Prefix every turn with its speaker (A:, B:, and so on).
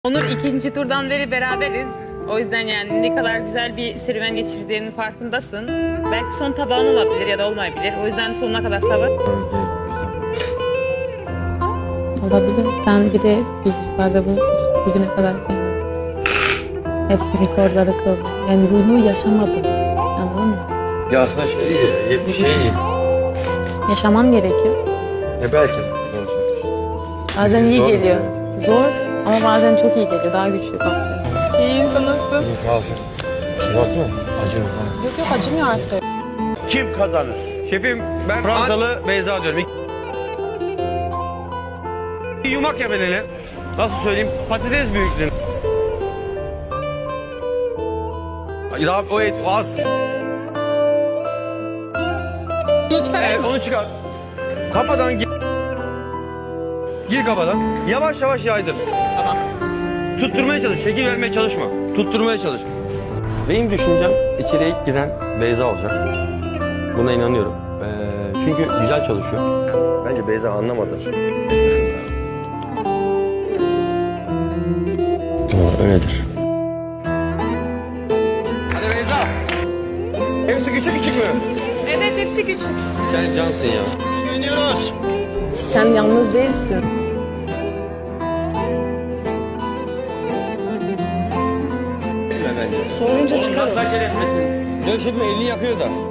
A: Onur ikinci turdan beri beraberiz. O yüzden yani ne kadar güzel bir serüven geçirdiğinin farkındasın. Belki son tabağın olabilir ya da olmayabilir. O yüzden sonuna kadar sabır. Olabilir. Sen bir de biz ifade bulmuştuk bugüne kadar. Hep rekorları kırdın. Yani bunu yaşamadın. Anladın mı?
B: Ya aslında şey değil, 70 şey değil.
A: Yaşaman gerekiyor.
B: Belki.
A: Bazen iyi
B: Zor.
A: geliyor. Zor ama bazen çok iyi geliyor. Daha güçlü kalkıyor. İyi insan nasılsın?
B: Sağ olsun. Şey yok mu? Acı mı falan?
A: Yok acımıyor artık.
C: Kim kazanır?
D: Şefim ben Fransalı Beyza diyorum. Yumak ya ben hele. Nasıl söyleyeyim? Patates büyüklüğünde. Ya o et o az.
A: Bunu çıkar.
D: Evet onu çıkar. Kafadan gir. Gir kafadan. Yavaş yavaş yaydır.
A: Tamam.
D: Tutturmaya çalış. Şekil vermeye çalışma. Tutturmaya çalış. Benim düşüncem içeriye ilk giren Beyza olacak. Buna inanıyorum. Çünkü güzel çalışıyor. Bence Beyza anlamadı.
B: Öyledir.
D: Hadi Beyza. Hepsi küçük küçük mü?
A: Evet hepsi küçük.
D: Sen cansın ya. Güveniyoruz.
A: Sen yalnız değilsin.
D: Bence.
A: Sorunca çıkar.
D: Saç el etmesin. Yok şefim elini yakıyor da.